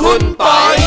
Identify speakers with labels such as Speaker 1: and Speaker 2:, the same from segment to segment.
Speaker 1: คุณปอย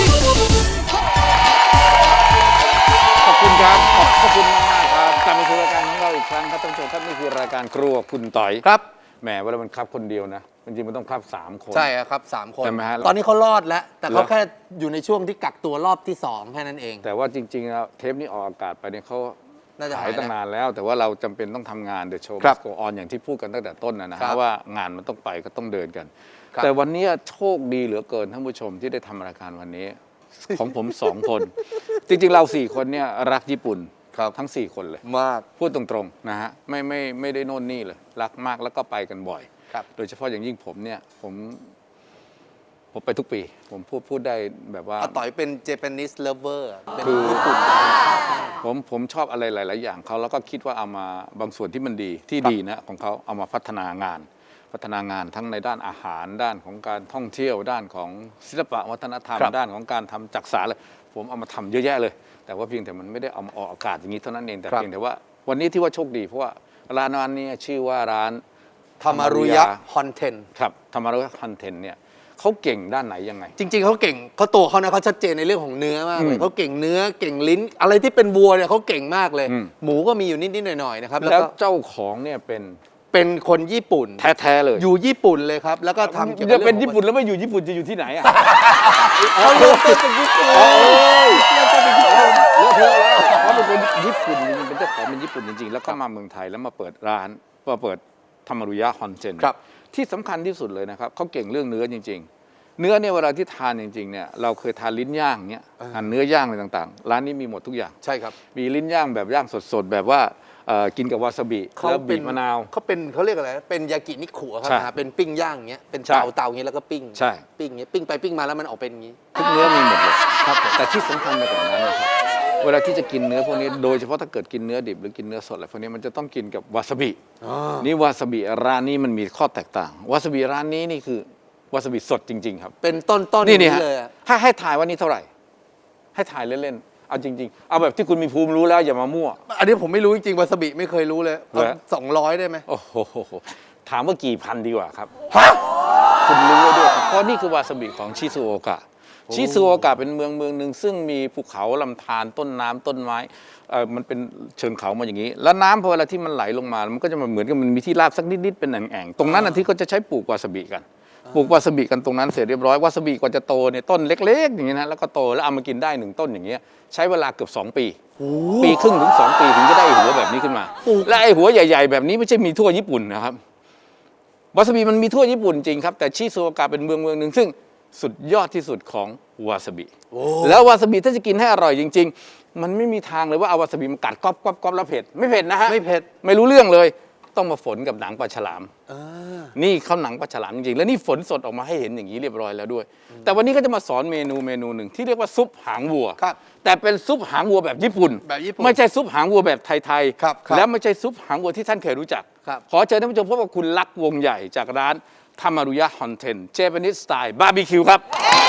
Speaker 1: ขอบคุณครับขอบคุณมากๆครับกลับมาสู่รายการของเราอีกครั้งครับท่านผู้ชมครับนี่คือรายการครัวคุณต่อย
Speaker 2: ครับ
Speaker 1: แหมเวลามันครับคนเดียวนะจริงๆมันต้องครับ3 คน
Speaker 2: ใช่ครับ3 คน
Speaker 1: ใช่ไหมฮะ
Speaker 2: ตอนนี้เขารอดแล้ว แต่เขา
Speaker 1: เหรอ
Speaker 2: แค่อยู่ในช่วงที่กักตัวรอบที่2แค่นั้นเอง
Speaker 1: แต่ว่าจริงๆแล้วเทปนี้ออกอากาศไปเนี่ยเขา
Speaker 2: น่าจะ
Speaker 1: หา
Speaker 2: หาย ย
Speaker 1: ตั้ง
Speaker 2: แล้ว
Speaker 1: นานแล้ว แต่ว่าเราจำเป็นต้องทำงานเดอะโชว์
Speaker 2: ครับ
Speaker 1: โกออนอย่างที่พูดกันตั้งแต่ต้นนะ
Speaker 2: ครั
Speaker 1: ฮะ
Speaker 2: บ
Speaker 1: ว่างานมันต้องไปก็ต้องเดินกัน
Speaker 2: ครับ
Speaker 1: แต่วันนี้โชคดีเหลือเกินท่านผู้ชมที่ได้ทำรายการวันนี้ ของผม 2 คน จริงๆเรา4 คนเนี่ยรักญี่ปุ่นทั้ง4 คนเลย
Speaker 2: มาก
Speaker 1: พูดตรงๆนะฮะไม่ได้โน่นนี่เลยรักมากแล้วก็ไปกันบ่อย
Speaker 2: ครับ
Speaker 1: โดยเฉพาะอย่างยิ่งผมเนี่ยผมไปทุกปี ผมพูดได้แบบว่า
Speaker 2: อาต่อยเป็น Japanese lover เป็น
Speaker 1: คือ
Speaker 2: ญี่ปุ่น
Speaker 1: ผมชอบอะไรหลาย ๆ อย่างเขาแล้วก็คิดว่าเอามาบางส่วนที่มันดีที่ดีนะของเขาเอามาพัฒนางานทั้งในด้านอาหารด้านของการท่องเที่ยวด้านของศิลปะวัฒนธรรม
Speaker 2: ครับ
Speaker 1: ด้านของการทำจักสารเลยผมเอามาทำเยอะแยะเลย แต่ว่าเพียงแต่มันไม่ได้เอามาออกอากาศอย่างนี้เท่านั้นเองแต่
Speaker 2: ครับ
Speaker 1: เพียงแต่ว่าวันนี้ที่ว่าโชคดีเพราะว่าร้านนี้ชื่อว่าร้าน
Speaker 2: ทามารุยะฮอนเทน
Speaker 1: ครับธรรมรุฮันเทนเนี่ยเขาเก่งด้านไหนยังไง
Speaker 2: จริง ๆเขาเก่งเขาตัวเขานะเขาชัดเจนในเรื่องของเนื้อมากเล
Speaker 1: อื
Speaker 2: ย
Speaker 1: ม
Speaker 2: เขาเก่งเนื้อเก่งลิ้น อะไรที่เป็นวัวเนี่ยเขาเก่งมากเลย
Speaker 1: อืม
Speaker 2: หมูก็มีอยู่นิดๆหน่อยๆนะครับ
Speaker 1: แล้
Speaker 2: แล้ว วก็
Speaker 1: เจ้าของเนี่ยเป็น
Speaker 2: เป็นคนญี่ปุ่น
Speaker 1: แท้ๆเลย
Speaker 2: อยู่ญี่ปุ่นเลยครับ แล้วก็ทำเกี่ยวกั
Speaker 1: จะ
Speaker 2: บ
Speaker 1: เป็น
Speaker 2: รื่องของ
Speaker 1: ญี่ปุ่นแล้วไม่อยู่ญี่ปุ่นจะอยู่ที่ไหนอ่ะ
Speaker 2: เขาเริ่มต้นจากญี่ปุ่น
Speaker 1: โอ้ย
Speaker 2: เริ่มต้นจากญี่ปุ่น
Speaker 1: เลอะเทอะแล้วเขาเป็นคนญี่ปุ่นจริงๆเป็นเจ้าของเป็นญี่ปุ่นจริงๆ แล้วก็มาเมืองไทยแล้วมาเปิดร้านมาเปิดธรรมรุยะฮอนเจน
Speaker 2: ครับ
Speaker 1: ที่สำคัญที่สุดเลยนะครับเขาเก่งเรื่องเนื้อจริง ๆ เนื้อเนี่ยเวลาที่ทานจริงๆเนี่ยเราเคยทานลิ้นย่างเนี่ยทานเนื้อย่างอะไรต่างๆ ร้านนี้มีหมดทุกอย่าง
Speaker 2: ใช่ครับ
Speaker 1: มีลิ้นย่างแบบย่างสดๆ แบบว่ากินกับวาซาบิแล้วบีบมะนาว
Speaker 2: เขาเรียกอะไรเป็นยากินิคุครับ
Speaker 1: ใช่
Speaker 2: นะเป็นปิ้งย่างอย่างเงี้ยเป็น
Speaker 1: ใช่
Speaker 2: เตาอย่างเงี้ยแล้วก็ปิ้ง
Speaker 1: ใช่
Speaker 2: ปิ้งอย่างเงี้ยปิ้งไปปิ้งมาแล้วมันออกเป็นอย่างงี้
Speaker 1: ทุกเนื้อมีหมดเลยครับแต่ที่สำคัญไปกว่านั้นนะครับเวลาที่จะกินเนื้อพวกนี้โดยเฉพาะถ้าเกิดกินเนื้อดิบหรือกินเนื้อสดอะไรพวกนี้มันจะต้องกินกับวาซาบินี่วาซาบิร้านนี้มันมีข้อแตกต่างวาซาบิร้านนี้นี่คือวาซาบิสดจริงๆครับ
Speaker 2: เป็นต้นๆ
Speaker 1: นี่
Speaker 2: นี่
Speaker 1: ฮะ
Speaker 2: เลยอะ
Speaker 1: ให้ถ่ายว่านี่เท่าไหร่ ให้ถ่ายเล่นๆเอาจริงๆเอาแบบที่คุณมีภูมิรู้แล้วอย่ามามั่ว
Speaker 2: อันนี้ผมไม่รู้จริงๆวาซาบิไม่เคยรู้เลย
Speaker 1: เหรอ
Speaker 2: 200 ได้ไหม
Speaker 1: โอ้โหถามว่ากี่พันดีกว่าครับคุณรู้ไว้ด้วยครับเพราะนี่คือวาซาบิของชิซูโอกะชิซูโอกะเป็นเมืองหนึ่งซึ่งมีภูเขาลำธารต้นน้ำต้นไม้มันเป็นเชิงเขามาอย่างนี้ แล้วน้ำพอเวลาที่มันไหลลงมามันก็จะมาเหมือนกับมันมีที่ราบสักนิดๆเป็นแอ่งๆตรงนั้นที่เขาจะใช้ปลูกวาซาบิกันปลูกวาซาบิกันตรงนั้นเสร็จเรียบร้อยวาซาบิกว่าจะโตเนี่ยต้นเล็กๆอย่างนี้นะแล้วก็โตแล้วเอามากินได้1 ต้นอย่างเงี้ยใช้เวลาเกือบ2 ปีปีครึ่งถึง2 ปีถึงจะได้หัวแบบนี้ขึ้นมา และไอ้หัวใหญ่ๆแบบนี้ไม่ใช่มีทั่วญี่ปุ่นนะครับวาซาบิมันมีทั่วญี่ปุ่นจริงครับแต่ชิซูโอกะเป็นเมืองหนึ่งซึ่งสุดยอดที่สุดของวาซาบิแล้ววาซาบิถ้าจะกินให้อร่อยจริง ๆ มันไม่มีทางเลยว่าเอาวาซาบิมากัดก๊อบแล้วเผ็ดไม่เผ็ดนะฮะ
Speaker 2: ไม่เผ็ด
Speaker 1: ไม่รู้เรื่องเลยต้องมาฝนกับหนังปลาฉลาม
Speaker 2: อ่า
Speaker 1: นี่เขาหนังปลาฉลามจริงๆแล้วนี่ฝนสดออกมาให้เห็นอย่างนี้เรียบร้อยแล้วด้วย แต่วันนี้ก็จะมาสอนเมนูหนึ่งที่เรียกว่าซุปหางวัว
Speaker 2: ครับ
Speaker 1: แต่เป็นซุปหางวัวแบบญี่ปุ่น
Speaker 2: แบบญี่ปุ่น
Speaker 1: ไม่ใช่ซุปหางวัวแบบไทย
Speaker 2: ครับครับ
Speaker 1: และไม่ใช่ซุปหางวัวที่ท่านเคยรู้จัก
Speaker 2: ครับ
Speaker 1: ขอเชิญท่านผู้ชมพบกับคุณลักษณ์วงใหญ่จากร้านธรรมารุยะฮอนเทนเจแปนิสสไตล์บาร์บีคิวครับ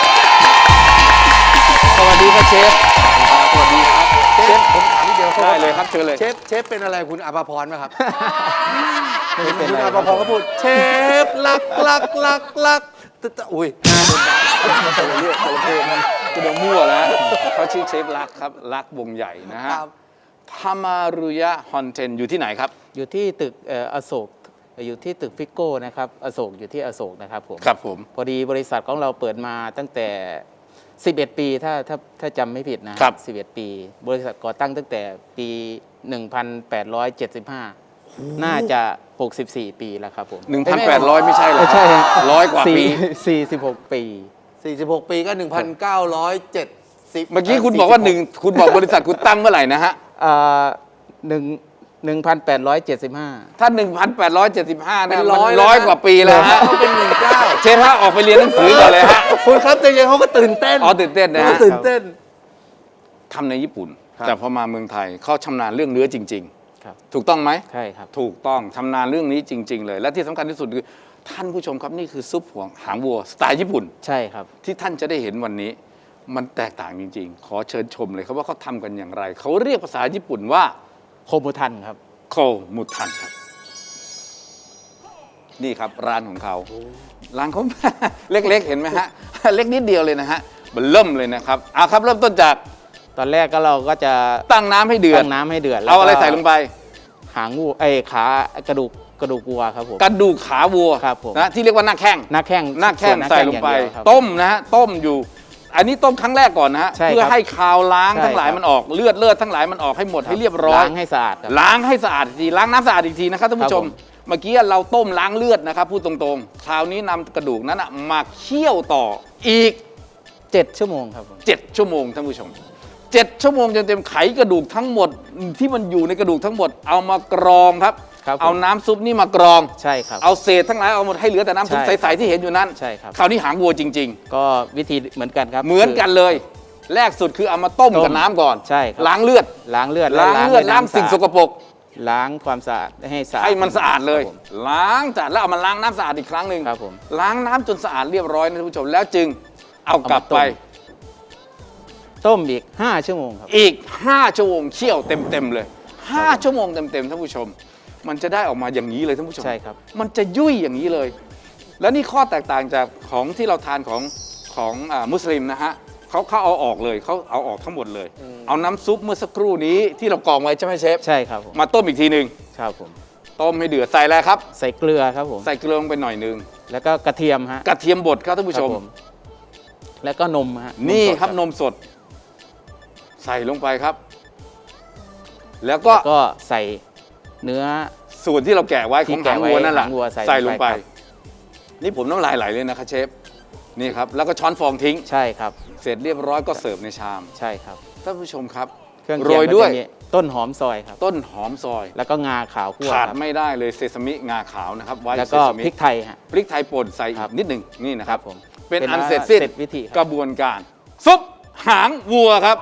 Speaker 1: สวัสดีครับเชฟสวัสดีครับ
Speaker 2: เชฟผมถามนิดเดียว
Speaker 1: ได้เลยครับเชิญเลย
Speaker 2: เชฟเป็นอะไรคุณอาภาพรไหมครับ
Speaker 1: ไม่
Speaker 2: เห็น
Speaker 1: เป็น
Speaker 2: คุณ
Speaker 1: ไร
Speaker 2: อาภาพรก็พูดเชฟลักอุ้ย
Speaker 1: คนละเรื่องคนละเพลงมันคุณเอามั่วแล้วเขาชื่อเชฟลักษณ์ครับลักษณ์วงใหญ่นะฮะ
Speaker 2: ครับ
Speaker 1: ธรรมารุยะฮอนเทนอยู่ที่ไหนครับ
Speaker 3: อยู่ที่ตึกอโศกอยู่ที่ตึกฟิกโก้นะครับอโศกอยู่ที่อโศกนะครับผม
Speaker 1: ครับผม
Speaker 3: พอดีบริษัทของเราเปิดมาตั้งแต่ 11 ปีถ้าจำไม่ผิดนะครับ 11 ปี บริษัทก่อตั้งตั้งแต่ปี 1875 น่าจะ 64 ปีแล้วครับผม
Speaker 1: 1,800 ไม่ใช่เหรอ
Speaker 3: ใช่ฮะ
Speaker 1: 100 กว่าปี
Speaker 3: 46 ปี
Speaker 2: 46 ปีก็ 1,970
Speaker 1: เมื่อกี้คุณบอกว่าคุณบอกบริษัทคุณตั้งเมื่อไหร่นะฮะ
Speaker 3: 1,875
Speaker 1: ถ้า 1,875
Speaker 2: เป็
Speaker 1: เนี่ย
Speaker 2: น
Speaker 1: มัน
Speaker 2: ร้อยแล้วนะ
Speaker 1: 100 กว่าปีแล้วฮะ
Speaker 2: เขาเป็น19
Speaker 1: เชฟฮะออกไปเรียนหนังสือก่อนเลยฮะ
Speaker 2: คุณครับใจเย็นเขาก็ตื่นเต้น
Speaker 1: อ๋อตื่นเต้นนะฮะ
Speaker 2: เขาตื่นเต้น
Speaker 1: ทำในญี่ปุ่น
Speaker 2: ครับ
Speaker 1: แต่พอมาเมืองไทยเขาชำนาญเรื่องเนื้อจริง
Speaker 3: ครับ
Speaker 1: ๆ ถูกต้องไหม
Speaker 3: ใช่ครับ
Speaker 1: ถูกต้องชำนาญเรื่องนี้จริง ๆ เลย และที่สำคัญที่สุดคือท่านผู้ชมครับนี่คือซุปหางวัวสไตล์ญี่ปุ่น
Speaker 3: ใช่ครับ
Speaker 1: ที่ท่านจะได้เห็นวันนี้ มันแตกต่างจริง ๆ ขอเชิญชมเลยครับว่าเขาทำกันอย่างไร เขาเรียกภาษาญี่ปุ่นว่า
Speaker 3: โคมุทันครับ
Speaker 1: โคมุทันครับ นี่ครับร้านของเขาร้านเขา เล็กๆ เห็นไหมฮะเล็กนิดเดียวเลยนะฮะมันเริ่มเลยนะครับเอาครับเริ่มต้นจาก
Speaker 3: ตอนแรกก็เราก็จะ
Speaker 1: ตั้งน้ำให้เดือด
Speaker 3: ตั้งน้ำให้เดือดแล้ว
Speaker 1: เอาอะไร
Speaker 3: ก็
Speaker 1: ใส่ลงไป
Speaker 3: หางวัวขากระดูกวัวครับผม
Speaker 1: กระดูกขาวัว
Speaker 3: ครับผม
Speaker 1: นะที่เรียกว่าหน้าแข้ง
Speaker 3: หน้าแข้ง
Speaker 1: หน้าแข้ง
Speaker 3: ส่วน
Speaker 1: ใส่ลงไป
Speaker 3: อย่างเดียวครับ
Speaker 1: ต้มนะฮะต้มอยู่ อันนี้ต้มครั้งแรกก่อนนะฮะ
Speaker 3: ใช่ครับ
Speaker 1: เพื่อให้คาวล้าง
Speaker 3: ใช่
Speaker 1: ทั้งหลาย
Speaker 3: ครับ
Speaker 1: มันออกเลือดทั้งหลายมันออกให้หมดให้เรียบร้อย
Speaker 3: ล้างให้สะอาดครับ
Speaker 1: ล้างให้สะอาดอีกทีล้างน้ำสะอาดอีกทีนะครับท่านผู้ชม
Speaker 3: ครับผม
Speaker 1: เมื่อกี้เราต้มล้างเลือดนะครับพูดตรงๆ คราวนี้นำกระดูกนั้นนะมาเคี่ยวต่ออีก
Speaker 3: 7 ชั่วโมงครับผม
Speaker 1: 7 ชั่วโมงท่านผู้ชม 7 ชั่วโมงจนเต็มไขกระดูกทั้งหมดที่มันอยู่ในกระดูกทั้งหมดเอามากรองครับ
Speaker 3: ครับผม
Speaker 1: เอาน้ำซุปนี่มากรอง
Speaker 3: ใช่ครับ
Speaker 1: เอาเศษทั้งหลายเอาหมดให้เหลือแต่น้ำซุป
Speaker 3: ใช่
Speaker 1: ใสๆที่เห็นอยู่นั้น
Speaker 3: ใช่ครับ
Speaker 1: คราวนี้หางวัวจริง
Speaker 3: ก็วิธีเหมือนกันครับ
Speaker 1: ๆ เหมือนกันเลย แรกสุดคือเอามาต้มกับน้ำก่อน
Speaker 3: ใช่ครับ
Speaker 1: ล้างเลือด
Speaker 3: ล้างเลือด
Speaker 1: ล้างเลือด
Speaker 3: ด้วย
Speaker 1: ล้าง
Speaker 3: น้ำ
Speaker 1: สิ่ง
Speaker 3: ะ
Speaker 1: ส
Speaker 3: อาด
Speaker 1: กปรก
Speaker 3: ล้างความสะอาดให้สะอาด
Speaker 1: ให้มันสะอาดเลย
Speaker 3: ครับผม
Speaker 1: ล้างสะอาดแล้วเอามาล้างน้ำสะอาดอีกครั้งหนึ่ง
Speaker 3: ครับผม
Speaker 1: ล้างน้ำจนสะอาดเรียบร้อยนะท่านผู้ชมแล้วจึงเอากลับ
Speaker 3: เอามาต้ม
Speaker 1: ไป
Speaker 3: ต้มอีก 5 ชั่วโมงครับ
Speaker 1: อีก 5 ชั่วโมงเคี่ยวเต็มๆเลย 5 ชั่วโมงเต็มๆท่านผู้ชม มันจะได้ออกมาอย่างนี้เลยท่านผู้ชม
Speaker 3: ใช่ครับ
Speaker 1: มันจะยุ่ยอย่างนี้เลย แล้วนี่ข้อแตกต่างจากของที่เราทานของมุสลิมนะฮะเขาเอาออกเลยเขาเอาออกทั้งหมดเลย เอาน้ำซุปเมื่อสักครู่นี้ที่เรากรองไว้ใช่ไหมเชฟ
Speaker 3: ใช่ครับผม
Speaker 1: มาต้มอีกทีหนึ่ง
Speaker 3: ครับผม
Speaker 1: ต้มให้เดือดใส่อะไรครับ
Speaker 3: ใส่เกลือครับผม
Speaker 1: ใส่เกลือลงไปหน่อยหนึง
Speaker 3: แล้วก็กระเทียมฮะ
Speaker 1: กระเทียมบดครับท่านผู้ชม
Speaker 3: ครับแล้วก็นมฮะ
Speaker 1: นี่
Speaker 3: สด
Speaker 1: ครับนมสด ใส่ลงไปครับ แล้วก็
Speaker 3: แล้วก็ใส่เนื้อ
Speaker 1: ส่วนที่เราแกะไว้ข
Speaker 3: ที่
Speaker 1: อง
Speaker 3: แกะ
Speaker 1: หาง
Speaker 3: ไว้
Speaker 1: วัวนั่นแหละ
Speaker 3: หางวัวใส่
Speaker 1: ใส่ลงไป
Speaker 3: ลงไปครับ
Speaker 1: นี่ผมน้ำลายไหลเลยนะครับเชฟนี่ครับแล้วก็ช้อนฟองทิ้ง
Speaker 3: ใช่ครับ
Speaker 1: เสร็จเรียบร้อยก็เสิร์ฟในชาม
Speaker 3: ใช่ครับ
Speaker 1: ท่านผู้ชมครับ
Speaker 3: เครื่อง
Speaker 1: โร
Speaker 3: เคียง
Speaker 1: ย
Speaker 3: ก็
Speaker 1: ด้วย
Speaker 3: จะมีต้นหอมซอยครับ
Speaker 1: ต้นหอมซอย
Speaker 3: แล้วก็งาขาวคั่ว
Speaker 1: ขาด
Speaker 3: ครับ
Speaker 1: ไม่ได้เลยเซซามิงาขาวนะครับไว้
Speaker 3: แล้ว
Speaker 1: เซ
Speaker 3: ก็
Speaker 1: ซามิ
Speaker 3: พริกไทยฮะ
Speaker 1: พริกไทยป่นใส่อี
Speaker 3: ครั
Speaker 1: ก
Speaker 3: บ
Speaker 1: นิดหนึ่งนี่นะ
Speaker 3: ค
Speaker 1: ค
Speaker 3: รั
Speaker 1: รั
Speaker 3: บบ ผม
Speaker 1: เป็นอัน
Speaker 3: ว่า
Speaker 1: เสร็จสิ้น
Speaker 3: เสร็จวิธีค
Speaker 1: ก
Speaker 3: รับ
Speaker 1: ระบวนการซุปหางวัวครับ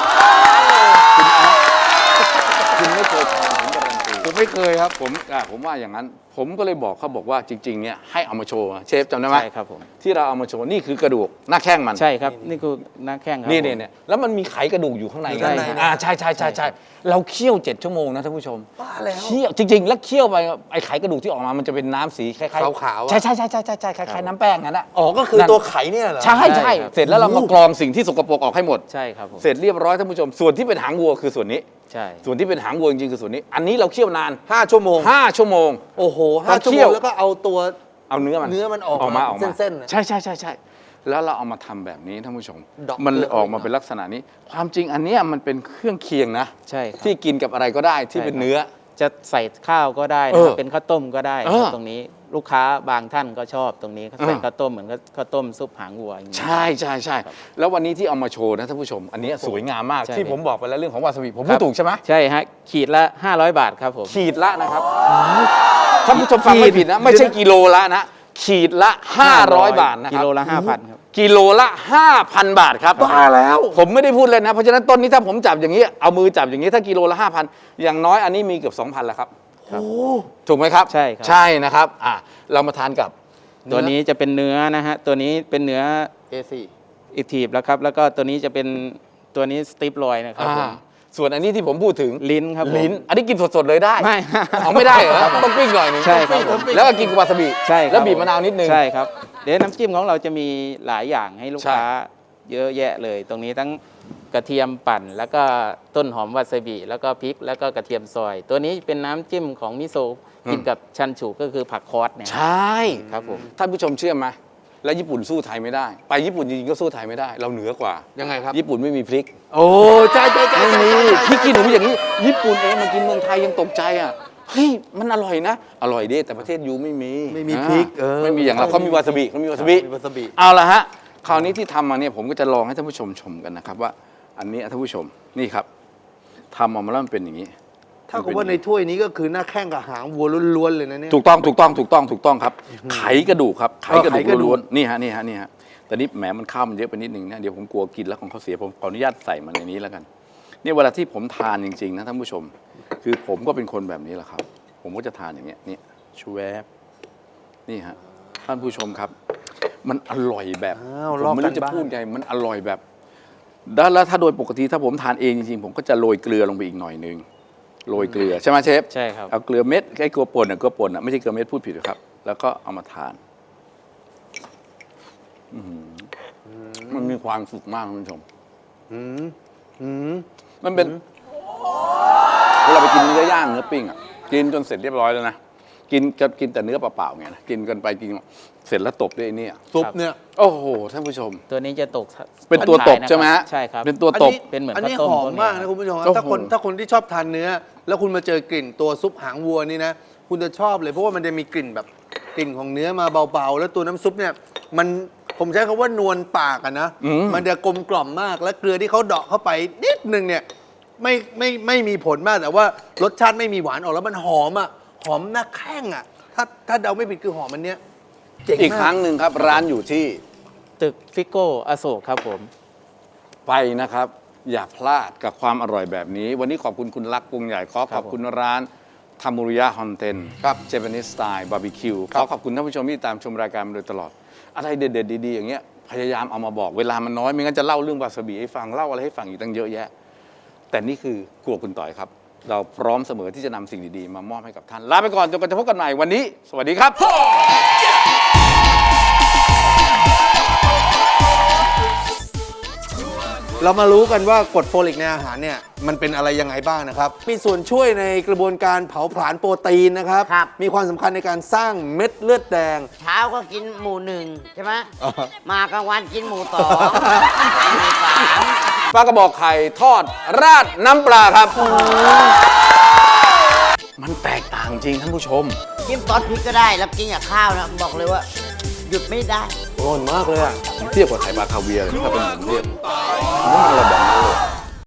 Speaker 1: คุณไม่เคยทานผมการันตี
Speaker 2: ผมไม่เคยครับ
Speaker 1: ผมว่าอย่างนั้น ผมก็เลยบอกเขาบอกว่าจริงๆเนี่ยให้เอามาโชว์เชฟจำได้ไหม
Speaker 3: ใช่ครับผม
Speaker 1: ที่เราเอามาโชว์นี่คือกระดูกหน้าแข้งมัน
Speaker 3: ใช่ครับนี่คือหน้าแข้งครับ
Speaker 1: นี่
Speaker 3: ผม
Speaker 1: เนี่ยแล้วมันมีไขกระดูกอยู่ข้างใน
Speaker 2: มีข้างใน
Speaker 1: ใช่เราเคี่ยว7 ชั่วโมงนะท่านผู้ชม
Speaker 2: บ้าแล้ว
Speaker 1: เคี่ยวจริง ๆ แล้วเคี่ยวไปไอ้ไขกระดูกที่ออกมามันจะเป็นน้ำสีคล้ายๆ
Speaker 2: ขาวๆอะ
Speaker 1: ใช่คล้ายๆน้ำแป้งนั่นแหละ
Speaker 2: อ๋อก็คือตัวไข่เนี่ยเหรอ
Speaker 1: ใช่
Speaker 3: ใช่ครับ
Speaker 1: เสร็จแล้วเรามากรองสิ่งที่สกปรกออกให้หมด
Speaker 3: ใช่ครับผม
Speaker 1: เสร็จเรียบร้อยท่านผู้ชม ส่วนที่เป็นหางวัวคือส่วนนี้
Speaker 3: ใช่
Speaker 1: ส่วนที่เป็นหางวัวจริงๆคือส่วนนี้ อันนี้เราเคี่ยวนาน
Speaker 2: 5 ชั่วโมง
Speaker 1: 5 ชั่วโมง
Speaker 2: โอ้โห
Speaker 1: พอ
Speaker 2: 5 ชั่ว
Speaker 1: เคี่
Speaker 2: โม
Speaker 1: ยว
Speaker 2: งแล้วก็เอาตัว
Speaker 1: เอาเนื้อมัน
Speaker 2: เนื้อมันออก
Speaker 1: มา
Speaker 2: เส้นๆน่ะ
Speaker 1: ใช่แล้วเราเอามาทำแบบนี้ท่านผู้ชม
Speaker 2: ดอก
Speaker 1: มันเลย
Speaker 2: เกลือ
Speaker 1: ออกมาเป็นลักษณะนี้ ความจริงอันเนี้ยมันเป็นเครื่องเคียงนะ
Speaker 3: ใช่ครับ
Speaker 1: ที่กินกับอะไรก็ได้ที่เป็นเนื้อ
Speaker 3: จะใส่ข้าวก็ได้
Speaker 1: เอ
Speaker 3: นะ
Speaker 1: อ
Speaker 3: ครับเป็นข้าวต้มก็ได้
Speaker 1: เอ
Speaker 3: ค
Speaker 1: อ
Speaker 3: รับตรงนี้ลูกค้าบางท่านก็ชอบตรงนี้เขาใส่
Speaker 1: เออ
Speaker 3: ข้าวต้มเหมือนกับข้าวต้มซุปหางวัวอย่างนี้
Speaker 1: ใช่แล้ววันนี้ที่เอามาโชว์นะท่านผู้ชม อันเนี้ยสวยงามมาก
Speaker 3: ใช่
Speaker 1: ที่ผมบอกไปแล้วเรื่องของวาซาบิผม
Speaker 3: ครั
Speaker 1: พูด
Speaker 3: บ
Speaker 1: ถูกใช่ไหม
Speaker 3: ใช่ฮะขีดละ 500 บาทครับผม
Speaker 1: ขีดละนะครับท่านผู้ชมฟังไม่ผิดนะ ไม่ใช่กิโลละนะ ขีดละ 500 บาทนะครับ
Speaker 3: กิโลละ 5,000 ครับ
Speaker 1: กิโลละ 5,000 บาทครับ
Speaker 2: บ้าแล้ว
Speaker 1: ผมไม่ได้พูดเลยนะ เพราะฉะนั้นต้นนี้ถ้าผมจับอย่างนี้ เอามือจับอย่างนี้ถ้ากิโลละ 5,000 อย่างน้อยอันนี้มีเกือบ 2,000 แล้วครับ
Speaker 3: ครับ
Speaker 1: ถูกไหมครับ
Speaker 3: ใช่ครับ
Speaker 1: ใช่นะครับเรามาทานกับ
Speaker 3: ตัวนี้จะเป็นเนื้อนะฮะตัวนี้เป็นเนื้อ
Speaker 2: A4
Speaker 3: อิทีฟแล้วครับแล้วก็ตัวนี้จะเป็นตัวนี้สติปลอยนะครับผม
Speaker 1: ส่วนอันนี้ที่ผมพูดถึง
Speaker 3: ลิ้นครับผม
Speaker 1: ลิ้น อันนี้กินสดๆเลยได้
Speaker 3: ไม่
Speaker 1: เอาไม่ได้เหรอต้องปิ้งหน่อยหนึง
Speaker 3: ใช่ครับผม
Speaker 1: แล้วก็กินกับวาซาบิ
Speaker 3: ใช่ครับ
Speaker 1: แล้วบีบมะนาวนิดนึง
Speaker 3: ใช่ครับเดี๋ยวน้ำจิ้มของเราจะมีหลายอย่างให้ลูก
Speaker 1: ใช่
Speaker 3: ค้าเยอะแยะเลย ตรงนี้ทั้งกระเทียมปั่น แล้วก็ต้นหอมวาซาบิแล้วก็พริกแล้วก็กระเทียมซอย ตัวนี้เป็นน้ำจิ้มของมิโซะกินกับชันฉูก็คือผักคอสเนี่ย
Speaker 1: ใช่
Speaker 3: ครับผม
Speaker 1: ท่านผู้ชมเชื่อไหมแล้วญี่ปุ่นสู้ไทยไม่ได้ ไปญี่ปุ่นจริงๆก็สู้ไทยไม่ได้ เราเหนือกว่า
Speaker 2: ยังไงครับ
Speaker 1: ญี่ปุ่นไม่มีพริก
Speaker 2: โอ้ใช่
Speaker 1: ไม่มีพริกกินหนูอย่างนี้ ญี่ปุ่นเองมากินเมืองไทยยังตกใจอ่ะเฮ้ยมันอร่อยนะ อร่อยดิแต่ประเทศยูไม่มี
Speaker 2: ไม่มีพริก
Speaker 1: ไม่มีอย่างเราเขามีวาซาบิเขามีวาซาบิ
Speaker 2: มีวาซาบิ
Speaker 1: เอาละฮะคราวนี้ที่ทำมาเนี่ยผมก็จะลองให้ท่านผู้ชมชมกันนะครับว่า อันนี้ท่านผู้ชมนี่ครับทำออกมาแล้วมันเป็นอย่างนี้
Speaker 2: ถ้ากับว่าในถ้วยนี้ก็คือหน้าแข้งกับหางวัวล้วนๆเลยนะเนี่ย
Speaker 1: ถูกต้องครับ ไขกระดูกครับไขกระดู
Speaker 2: ไขกระดู
Speaker 1: ก
Speaker 2: ก
Speaker 1: ล้วนๆนี่ฮะแต่นี่แหมมันข้าวมันเยอะไปนิดนึงนะเดี๋ยวผมกลัวกินแล้วของเขาเสียผมขออนุญาตใส่มันในนี้แล้วกันเนี่ยเวลาที่ผมทานจริงๆนะท่านผู้ชม คือผมก็เป็นคนแบบนี้แหละครับ ผมก็จะทานอย่างเงี้ยเนี่ยชูแวบนี่ฮะท่านผู้ชมครับ มันอร่อยแบบ
Speaker 2: อ้าว
Speaker 1: ผ
Speaker 2: ลอ
Speaker 1: ม
Speaker 2: ก
Speaker 1: ไม่
Speaker 2: กัน
Speaker 1: รู้จะ
Speaker 2: บ้าง
Speaker 1: พูดไงมันอร่อยแบบแล้วถ้าโดยปกติถ้าผมทานเองจริงๆผมก็จะโรยเกลือลงไปอีกหน่อยนึงโรยเกลือใช่ไหมเชฟ
Speaker 3: ใช่ครับ
Speaker 1: เอาเกลือเม็ดไอ้เกลือป่นเกลือป่นไม่ใช่เกลือเม็ดพูดผิดครับ แล้วก็เอามาทานมันมีความสุขมากคุณผู้ชม
Speaker 2: อืมอืม
Speaker 1: มันเป็นเวลาไปกินเนื้อย่างเนื้อปิ้งอ่ะกินจนเสร็จเรียบร้อยแล้วนะกินแต่เนื้อเปล่าๆไงนะกินกันไปกินเสร็จแล้วตบด้วยไอ้เนี่ย
Speaker 2: ซุปเนี่ย
Speaker 1: โอ้โหท่านผู้ชม
Speaker 3: ตัวนี้จะตก
Speaker 1: เป็นตัวตบใช่ไหมฮะ
Speaker 3: ใช่ครับ
Speaker 1: เป็นตัวตบ
Speaker 3: เป็นเหมือน
Speaker 2: อันนี้
Speaker 3: ข้าวต้ม
Speaker 2: หอม
Speaker 3: ตัวนี้
Speaker 2: มากนะคุณผู้ชมครับ
Speaker 1: โอ้โห
Speaker 2: ถ้าคนที่ชอบทานเนื้อ แล้วคุณมาเจอกลิ่นตัวซุปหางวัวนี่นะ คุณจะชอบเลยเพราะว่ามันจะมีกลิ่นแบบกลิ่นของเนื้อมาเบาๆ แล้วตัวน้ำซุปเนี่ยมันผมใช้คำว่านวลปากอะนะ มันจะกลมกล่อมมากและเกลือที่เขาเดาะเข้าไปนิดนึงเนี่ยไม่มีผลมากแต่ว่ารสชาติไม่มีหวานออกแล้วมันหอมอะหอมหน้าแข้งอะถ้าเดาไม่ผิดคือหอมมันเนี้ยเจ๋ง
Speaker 1: อีก
Speaker 2: มา
Speaker 1: ครั้งหนึ่งครับ ร้านอยู่ที่
Speaker 3: ตึกฟิโก้อโศกครับผม
Speaker 1: ไปนะครับ อย่าพลาดกับความอร่อยแบบนี้ วันนี้ขอบคุณคุณลักษณ์กรุงใหญ่ขอขอบคุณร้านทามุริยะฮอนเทนครับเจแปนิสสไตล์บาร์บีคิวขอขอบคุณท่านผู้ชมที่ตามชมรายการมาโดยตลอด อะไรเด็ดๆดีๆอย่างเงี้ยพยายามเอามาบอกเวลามันน้อยไม่งั้นจะเล่าเรื่องวาซาบิให้ฟังเล่าอะไรให้ฟังอีกตั้งเยอะแยะ แต่นี่คือครัวคุณต่อยครับ เราพร้อมเสมอที่จะนำสิ่งดีๆมามอบให้กับท่านลาไปก่อนจนกว่าจะพบกันใหม่วันนี้ สวัสดีครับ
Speaker 2: เรามารู้กันว่ากรดโฟลิกในอาหารเนี่ยมันเป็นอะไรยังไงบ้างนะครับ มีส่วนช่วยในกระบวนการเผาผลาญโปรตีนนะครับ
Speaker 4: ครับ
Speaker 2: มีความสำคัญในการสร้างเม็ดเลือดแดง
Speaker 4: เช้าก็กินหมูหนึ่งใช่ไหม
Speaker 2: อ่าฮะ
Speaker 4: มากลางวันกินหมูสองหมูสาม
Speaker 1: ปลากระบอกไข่ทอดราดน้ำปลาครับ มันแตกต่างจริงท่านผู้ชม
Speaker 4: จิ้มซอสพริกก็ได้ แล้วกินกับข้าวนะ บอกเลยว่า หยุดไม่ได้
Speaker 2: อร่อยมากเลยอ่ะ
Speaker 1: เทียบกับไข่ปลาคาเวียร์เลยถ้าเป็นผมเทียบผมว่ามันอะไรแบบนั้นเลย